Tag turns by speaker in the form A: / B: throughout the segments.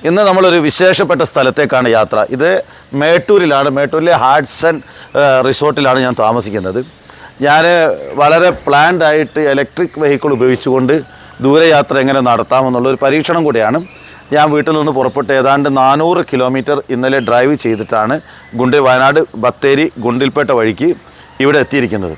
A: ഇന്ന് നമ്മളൊരു വിശേഷപ്പെട്ട സ്ഥലത്തേക്കാണ് യാത്ര. ഇത് മേട്ടൂരിലാണ്. മേട്ടൂരിലെ ഹാഡ്സൺ റിസോർട്ടിലാണ് ഞാൻ താമസിക്കുന്നത്. ഞാൻ വളരെ പ്ലാൻഡ് ആയിട്ട് ഇലക്ട്രിക് വെഹിക്കിൾ ഉപയോഗിച്ചുകൊണ്ട് ദൂരയാത്ര എങ്ങനെ നടത്താമെന്നുള്ളൊരു പരീക്ഷണം കൂടിയാണ്. ഞാൻ വീട്ടിൽ നിന്ന് പുറപ്പെട്ട് ഏതാണ്ട് 400 കിലോമീറ്റർ ഇന്നലെ ഡ്രൈവ് ചെയ്തിട്ടാണ് വയനാട് ബത്തേരി ഗുണ്ടിൽപേട്ട വഴിക്ക് ഇവിടെ എത്തിയിരിക്കുന്നത്.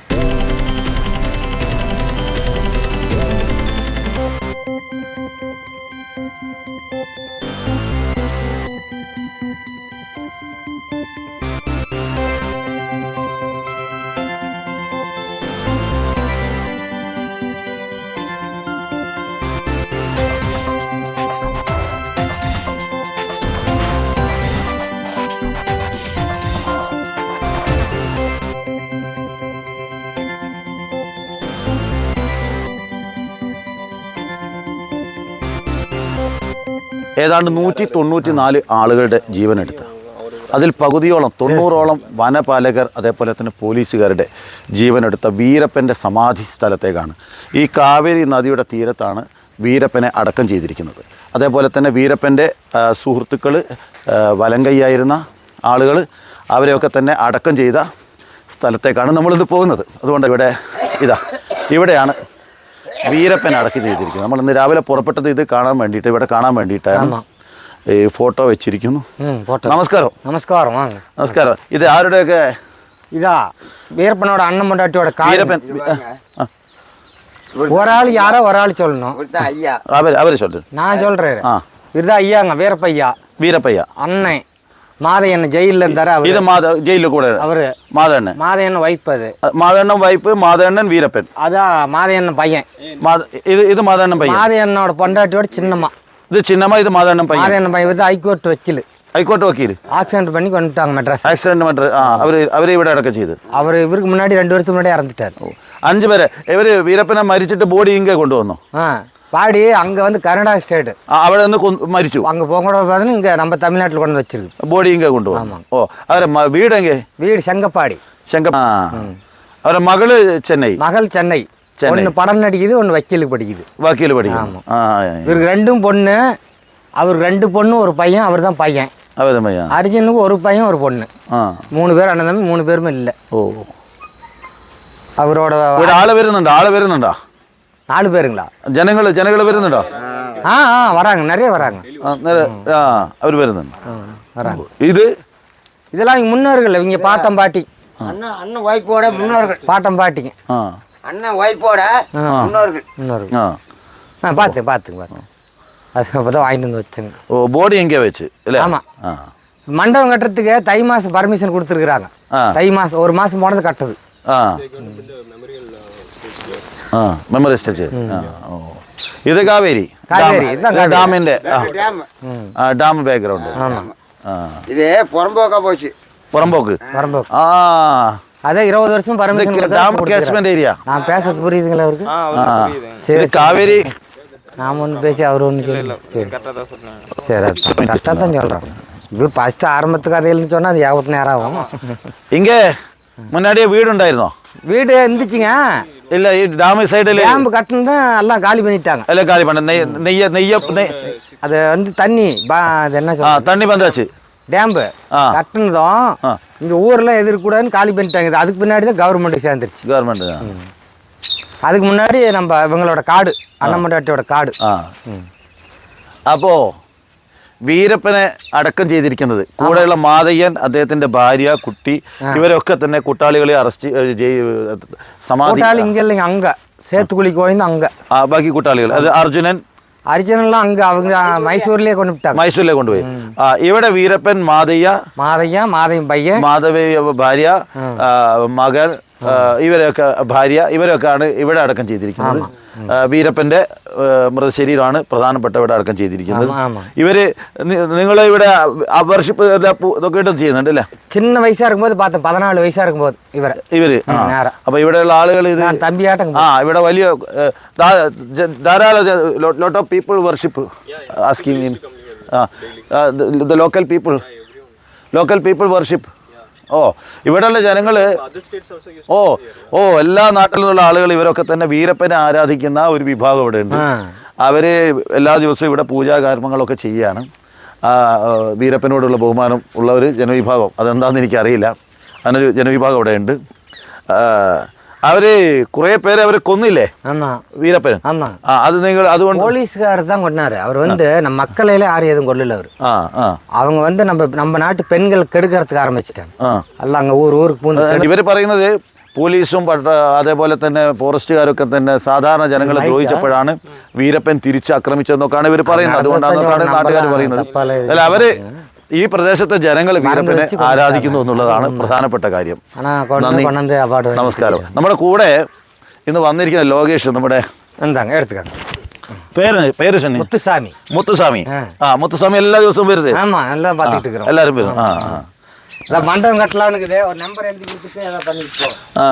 A: ഏതാണ്ട് 194 ആളുകളുടെ ജീവനെടുത്ത, അതിൽ പകുതിയോളം 90ഓളം വനപാലകർ അതേപോലെ തന്നെ പോലീസുകാരുടെ ജീവനെടുത്ത വീരപ്പൻ്റെ സമാധി സ്ഥലത്തേക്കാണ്. ഈ കാവേരി നദിയുടെ തീരത്താണ് വീരപ്പനെ അടക്കം ചെയ്തിരിക്കുന്നത്. അതേപോലെ തന്നെ വീരപ്പൻ്റെ സുഹൃത്തുക്കൾ, വലങ്കയ്യായിരുന്ന ആളുകൾ, അവരെയൊക്കെ തന്നെ അടക്കം ചെയ്ത സ്ഥലത്തേക്കാണ് നമ്മളിത് പോകുന്നത്. അതുകൊണ്ട് ഇവിടെയാണ് വീരപ്പൻ അടക്കി ചെയ്തിരിക്കുന്നത്. നമ്മൾ ഇന്ന് രാവിലെ പുറപ്പെട്ടത് ഇത് കാണാൻ വേണ്ടിയിട്ട്, ഇവിടെ കാണാൻ വേണ്ടിയിട്ടാണ് ഈ ഫോട്ടോ വെച്ചിരിക്കുന്നു. നമസ്കാരം.
B: നമസ്കാരം.
A: നമസ്കാരം. ഇത് ആരുടെയൊക്കെ?
B: ഇതാ വീരപ്പനോட അണ്ണൻ പൊണ്ടാട്ടിയോட വീരപ്പൻ. ഒരാൾ யாரோ ഒരാൾ சொல்லணும்.
A: അവര് சொல்லு.
B: நான் சொல்றேன். இதுதான் ஐயாங்க வீரப்பையா.
A: வீரப்பையா
B: அண்ணன் மாதையண்ணன் ஜெயிலில் இருந்தாரு.
A: இது ஜெயிலில் கூட அவரு மாதண்ணன்.
B: மாதையண்ணன் வைஃப். அது
A: மாதண்ணன் வைஃப், மாதண்ணன் வீரப்பன்.
B: அதான் மாதையண்ணன் பையன்.
A: இது மாதண்ணன் பையன்.
B: மாதையண்ணனோட பொண்டாட்டியோட சின்னம்மா.
A: இது சின்னம்மா, இது மாதண்ணன் பையன்.
B: மாதையண்ணன் பையன் வந்து ஹைகோர்ட் வக்கீல்.
A: ഹൈക്കോർട്ട് വക്കീൽ.
B: ആക്സിഡന്റ് பண்ணி കൊണ്ടിട്ടാங்க മെഡ്രാസ്.
A: ആക്സിഡന്റ് അവരെ ഇവിടെ അടക്കം ചെയ്ത്.
B: ഇവർക്ക് മുന്നാടി 2 വർഷം മുന്നേ ഇറന്നിട്ടാரு.
A: 5 പേരെ. ഇവര് വീരപ്പനെ മരിച്ചിട്ട് ബോഡി ഇങ്ങ കൊണ്ടുവന്നു.
B: பாடி அங்கே வந்து கர்நாடகா ஸ்டேட்.
A: അവിടെ നിന്ന് മരിച്ചു.
B: அங்கே போகக்கூட பார்த்தீங்கன்னா இங்கே நம்ம தமிழ்நாட்டில் கொண்டு வச்சிருக்கு.
A: ബോഡി ഇങ്ങ കൊണ്ടുവന്നു. ഓ, അവരെ വീട് എங்கே?
B: வீடு செங்கப்பாடி.
A: അവരെ മകള് ചെന്നൈ.
B: மகள் சென்னை. ஒன்று படம் நடிக்குது, ஒன்று வக்கீலுக்கு படிக்குது.
A: வக்கீல் படிக்குது.
B: இவருக்கு 2 பொண்ணு. அவர் 2 பொண்ணு, ஒரு பையன். அவர் தான் பையன். அவர் தான் பையன். அர்ஜுனுக்கு ஒரு பையன், ஒரு பொண்ணு. 3 பேர் அண்ணன் தம்பி. 3 பேருமே இல்லை. ஓ, അവരോட
A: ആള് വരുന്നുണ്ടോ?
B: 4 പേരുங்களா?
A: ജനങ്ങൾ വരുന്നുണ്ടോ?
B: வராங்க, நிறைய வராங்க.
A: അവർ വരുന്നുണ്ട്.
B: வராங்க. இதெல்லாம் இவங்க முன்னோர்கள். இவங்க பாட்டம் பாட்டி.
C: அண்ணன் வைஃபோட முன்னோர்கள்.
B: பாட்டம் பாட்டிங்க.
C: அண்ணன் வைஃபோட முன்னோர்கள்.
B: பார்த்துங்க. அது அப்பதான் வாங்கிட்டு வந்து வச்சுங்க.
A: ஓ, போடி எங்கே வச்சு?
B: ஆமா, மண்டபம் கட்டுறதுக்கு தை மாசம் பர்மிஷன் கொடுத்துருக்குறாங்க. தை மாசம் 1 மாசம் போனது கட்டுது.
A: Memory stage. ഇത് കാവേരി ഡാമിന്റെ ഡാം ബാക്ക്ഗ്രൗണ്ട്.
C: ഇത് പുറമ്പോക്ക്.
B: அதே 20 வருஷம் பர்மிஷன்.
A: Dam catchment area.
B: நான் பேசுறது புரியுதுங்களா அவருக்கு?
A: சரி. காவேரி
B: நாம ஒன்று பேசி அவர் ஒன்று சரி கரெக்டாக தான் சொல்கிறோம். இது ஃபஸ்ட்டு ஆரம்பத்துக்கு கதையில்னு சொன்னால் அது 50 நேரம் ஆகும்.
A: இங்கே முன்னாடியே வீடு உண்டாயிருந்தோ?
B: வீடு இருந்துச்சுங்க.
A: இல்லை, டேம் சைடில்
B: டேம் கட்டணும் தான் எல்லாம் காலி பண்ணிட்டாங்க.
A: எல்லாம் காலி பண்ண நெய்ய
B: அது வந்து தண்ணி அது என்ன சொல்ல,
A: தண்ணி வந்தாச்சு.
B: டேம்பு கட்டினதும் இங்கே ஊரெல்லாம் எதிர்க்கூடாதுன்னு காலி பண்ணிட்டாங்க. அதுக்கு பின்னாடி தான் கவர்மெண்ட்டுக்கு சேர்ந்துருச்சு.
A: கவர்மெண்ட்.
B: அதுக்கு முன்னாடி நம்ம இவங்களோட காடு, അണ്ണമ്മണ്ടാട്ടിയോட കാട്.
A: അപ്പോൾ വീരപ്പനെ അടക്കം ചെയ്തിരിക്കുന്നത് കൂടെയുള്ള മാതയ്യൻ, അദ്ദേഹത്തിന്റെ ഭാര്യ, കുട്ടി, ഇവരൊക്കെ തന്നെ കൂട്ടാളികളെ അറസ്റ്റ് സമാധി.
B: ഇങ്ങല്ലെങ്കിൽ അങ്ങ சேத்துக்குழிக்கு போயிருந்து அங்கே
A: ബാക്കി കൂട്ടാളികൾ. അത്
B: அர்ஜுனெல்லாம் அங்கே அவங்க மைசூர்லேயே கொண்டு விட்டாங்க.
A: മൈസൂരിലേക്ക് കൊണ്ടുപോയി. ഇവിടെ വീരപ്പൻ,
B: മാതയ്യൻ പയ്യൻ,
A: മാധവ ഭാര്യ, മകൻ, ഇവരൊക്കെയാണ് ഇവിടെ അടക്കം ചെയ്തിരിക്കുന്നത്. വീരപ്പന്റെ മൃതശരീരമാണ് പ്രധാനപ്പെട്ട ഇവിടെ അടക്കം ചെയ്തിരിക്കുന്നത്. ഇവര് നിങ്ങളെ ഇവിടെ വർഷിപ്പ് ഇതൊക്കെ ഇട്ടും ചെയ്യുന്നുണ്ട് അല്ലേ?
B: சின்ன வயசா இருக்கும்போது பார்த்தேன். 14 வயசா இருக்கும்போது ഇവര്
A: അപ്പൊ ഇവിടെയുള്ള ആളുകൾ ഇത്
B: തമ്പിയാട്ടം.
A: ഇവിടെ വലിയ ധാരാളം lot of people worship asking in the local people worship. ഓ, ഇവിടെയുള്ള ജനങ്ങൾ, എല്ലാ നാട്ടിൽ നിന്നുള്ള ആളുകൾ ഇവരൊക്കെ തന്നെ വീരപ്പനെ ആരാധിക്കുന്ന ഒരു വിഭാഗം ഇവിടെ ഉണ്ട്. അവർ എല്ലാ ദിവസവും ഇവിടെ പൂജാകർമ്മങ്ങളൊക്കെ ചെയ്യുകയാണ്. വീരപ്പനോടുള്ള ബഹുമാനം ഉള്ള ഒരു ജനവിഭാഗം, അതെന്താണെന്ന് എനിക്കറിയില്ല. അങ്ങനൊരു ജനവിഭാഗം അവിടെയുണ്ട്. അവർ കുറേ പേരെ അവർ കൊന്നില്ലേ വീരപ്പൻ? അത് നിങ്ങൾ അതുകൊണ്ട്
B: போலீஸ்கார் தான் கொண்டாரு. அவர் நம்ம மக்களையில யாரும் எதுவும் கொல்லல. அவர் அவங்க நம்ம நாட்டு பெண்கள் கெடுக்கிறதுக்கு ஆரம்பிச்சிட்டாங்க. அல்ல அங்க ஊருக்கு பூந்து
A: ഇവർ പറയുന്നത് പോലീസും അതേപോലെ തന്നെ ഫോറസ്റ്റുകാരൊക്കെ തന്നെ സാധാരണ ജനങ്ങളെ ദ്രോഹിച്ചപ്പോഴാണ് വീരപ്പൻ തിരിച്ചാക്രമിച്ചതെന്നൊക്കെയാണ് ഇവർ പറയുന്നത്. അതുകൊണ്ടാണ് നാട്ടുകാർ പറയുന്നത്. അല്ല, അവര് ഈ പ്രദേശത്തെ ജനങ്ങൾ വീരപ്പനെ ആരാധിക്കുന്നു എന്നുള്ളതാണ് പ്രധാനപ്പെട്ട കാര്യം. നന്ദി, നമസ്കാരം. നമ്മുടെ കൂടെ ഇന്ന് വന്നിരിക്കുന്ന ലോകേഷ്, നമ്മുടെ പേര്
B: മുത്തുസ്വാമി.
A: മുത്തുസ്വാമി എല്ലാ ദിവസവും വരുന്നത്? എല്ലാവരും വരും.
B: மண்டபம் கட்டலாம்னு ஒரு நம்பர் எழுதி கொடுத்துட்டு அதை பண்ணிட்டு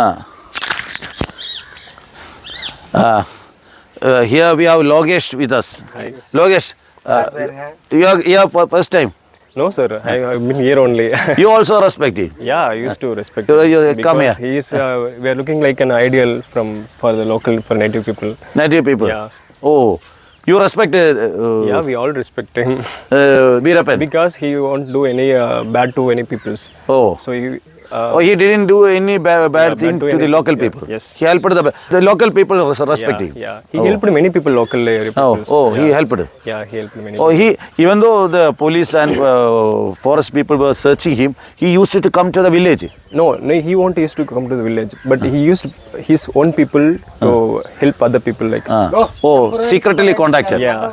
A: Here we have Logesh with us. Hi. Logesh, you are here for first time?
D: No sir, I've been here only.
A: You also respect him?
D: Yeah, I used to respect
A: him.
D: You
A: come here.
D: He is, we are looking like an ideal for the local, for native people.
A: Native people? Yeah. Oh, you respect?
D: Yeah, we all respect him.
A: Veerappan?
D: Because he won't do any bad to any peoples.
A: Oh.
D: So
A: he didn't do any bad thing to the local people?
D: Yes.
A: He helped the local people respect him?
D: Yeah. He helped many people, local peoples.
A: He helped?
D: Yeah, he helped many
A: people. Even though the police and forest people were searching him, he used to come to the village?
D: No, he won't used to come to the village, but he used his own people to help other people like.
A: Secretly contacted?
D: Yeah.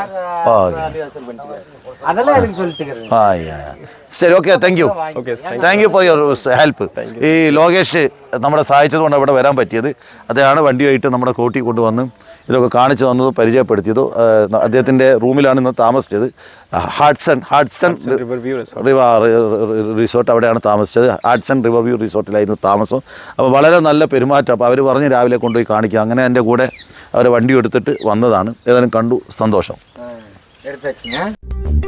B: அதெல்லாம் எனக்கு சொல்லிட்டு
A: ശരി, okay, thank you. Thank you for your help. ഈ ലോകേഷ് നമ്മളെ സഹായിച്ചതുകൊണ്ട് ഇവിടെ വരാൻ പറ്റിയത്. അദ്ദേഹമാണ് വണ്ടിയായിട്ട് നമ്മുടെ കോട്ടി കൊണ്ടുവന്ന് ഇതൊക്കെ കാണിച്ചു തന്നതും പരിചയപ്പെടുത്തിയതും. അദ്ദേഹത്തിൻ്റെ റൂമിലാണ് ഇന്ന് താമസിച്ചത്. ഹാഡ്സൺ റിസോർട്ട്, അവിടെയാണ് താമസിച്ചത്. ഹാഡ്സൺ റിവർ വ്യൂ റിസോർട്ടിലായിരുന്നു താമസം. അപ്പോൾ വളരെ നല്ല പെരുമാറ്റം. അപ്പോൾ അവർ പറഞ്ഞ് രാവിലെ കൊണ്ടുപോയി കാണിക്കുക. അങ്ങനെ എൻ്റെ കൂടെ അവർ വണ്ടി എടുത്തിട്ട് വന്നതാണ്. ഏതായാലും കണ്ടു, സന്തോഷം.
B: എടുത്ത്